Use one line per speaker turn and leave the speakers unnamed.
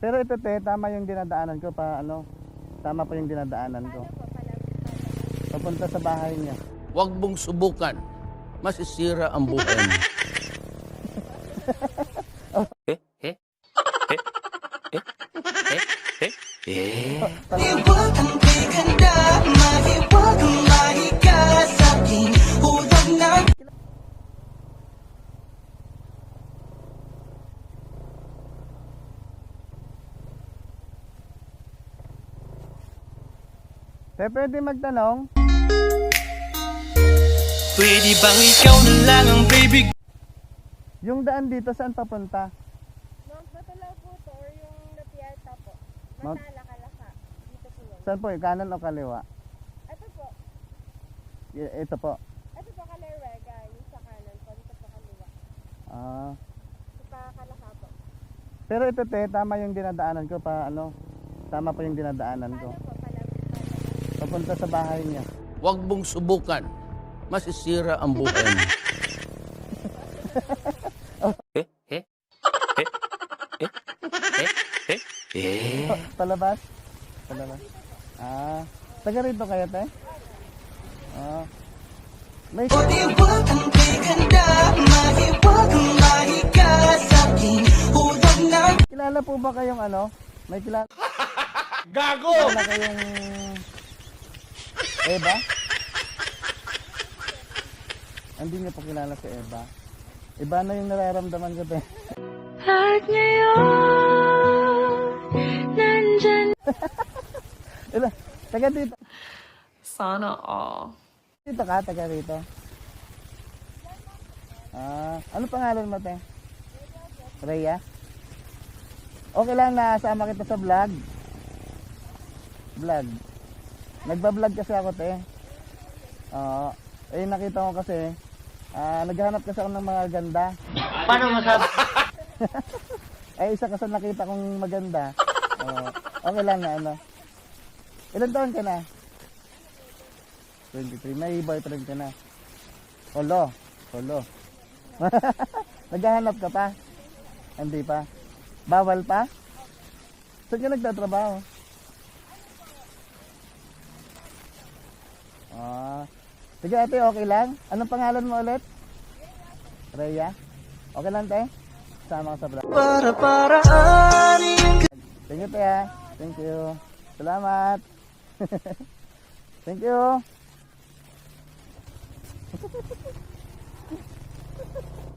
Pero ito te, tama yung dinadaanan ko pa ano. Tama pa yung dinadaanan ko. Papunta sa bahay niya.
Huwag mong subukan. Masisira ang buhay mo. Eh? Eh? Eh? Eh? Eh? Eh? Eh?
Iwag ang ganda, mahiwag ang mahiga sa aking huwag na.
Te, pwede magtanong?
Pwede bang ikaw na lang ang baby?
Yung daan dito saan papunta?
Mount Batulaw po to or yung Lapiata po.
Mount-
Masala, Kalaka. Dito po yun.
Saan po? Kanan o kaliwa?
Ito po.
Ito po.
Ito po Kalerwega. Yung sa kanan po. Dito po kaliwa.
Ah.
Sa Kalaka po.
Pero ito te, tama yung dinadaanan ko pa ano. Tama pa yung dinadaanan ko.
Paano po?
Papunta sa bahay niya.
Huwag mong subukan. Masisira ang buhay mo. Eh? Eh? Eh? Eh? Eh? Eh? Eh?
Palabas? Palabas. Ah. Taga rito kayo te? Ah. May
Iwag ang ganda, mahiwag ang mahiga sa aking huwag na.
kilala po ba kayong ano? May kilala?
Gago!
Kilala kayong Eva? Hindi niyo po kilala si Eva. Iba na yung nararamdaman ko te.
At ngayon, nandyan.
Ila, taga dito.
Sana all.
Dito ka, taga rito. Ah, ano pangalan mo te? Rhea? Okay lang na sama kita sa vlog. Vlog. Nagba-vlog kasi ako te. Oo. Nakita ko kasi naghahanap kasi ako ng mga ganda.
Paano masabi?
Isa kasi nakita kong maganda. Okay lang na ano. Ilan taon ka na? 23. May boyfriend ka na? Solo. Solo. Naghahanap ka pa? Hindi pa. Bawal pa? Saan ka nagtatrabaho? Sige ate, okay lang? Anong pangalan mo ulit? Rhea? Okay lang te? Sama ka sa vlog.
Para-paraan.
Thank you te ha. Thank you. Salamat. Thank you.